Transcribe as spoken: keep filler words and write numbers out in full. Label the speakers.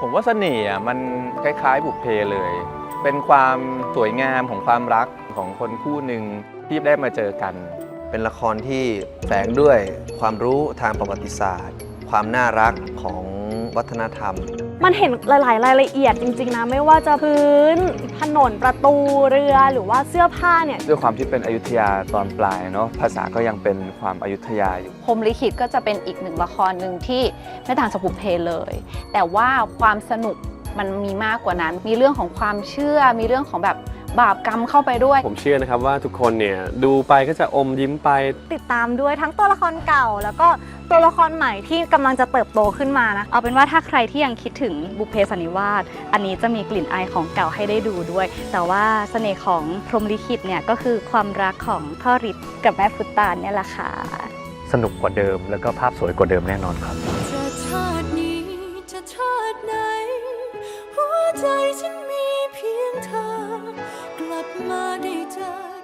Speaker 1: ผมว่าเสน่ห์มันคล้ายๆบุพเพเลย เป็นความสวยงามของความรักของคนคู่หนึ่งที่ได้มาเจอกัน
Speaker 2: เป็นละครที่แฝงด้วยความรู้ทางประวัติศาสตร์ ความน่ารักของวัฒนธรรม
Speaker 3: มันเห็นหลายๆรายละเอียดจริงๆนะไม่ว่าจะพื้นถนนประตูเรือหรือว่าเสื้อผ้าเนี่ย
Speaker 1: ด้วยความที่เป็นอยุธยาตอนปลายเนาะภาษาก็ยังเป็นความอยุธยาอยู่
Speaker 4: พรหมลิขิตก็จะเป็นอีกหนึ่งละครหนึ่งที่ไม่ต่างจากบุพเพเลย แต่ว่าความสนุกมันมีมากกว่านั้นมีเรื่องของความเชื่อมีเรื่องของแบบบาปกรรมเข้าไปด้วย
Speaker 5: ผมเชื่อนะครับว่าทุกคนเนี่ยดูไปก็จะอมยิ้มไป
Speaker 3: ติดตามด้วยทั้งตัวละครเก่าแล้วก็ตัวละครใหม่ที่กำลังจะเติบโตขึ้นมานะ
Speaker 6: เอาเป็นว่าถ้าใครที่ยังคิดถึงบุพเพสันนิวาสอันนี้จะมีกลิ่นอายของเก่าให้ได้ดูด้วย แต่ว่าเสน่ห์ของพรหมลิขิตเนี่ยก็คือความรักของพ่อฤทธิ์กับแม่พุตตานเนี่ยแหละค่ะ
Speaker 1: สนุกกว่าเดิมแล้วก็ภาพสวยกว่าเดิมแน่นอนครับ
Speaker 7: จะชาตินี้จะชาติไหนหัวใจฉันมีเพียงเธอกลับมาได้เจอ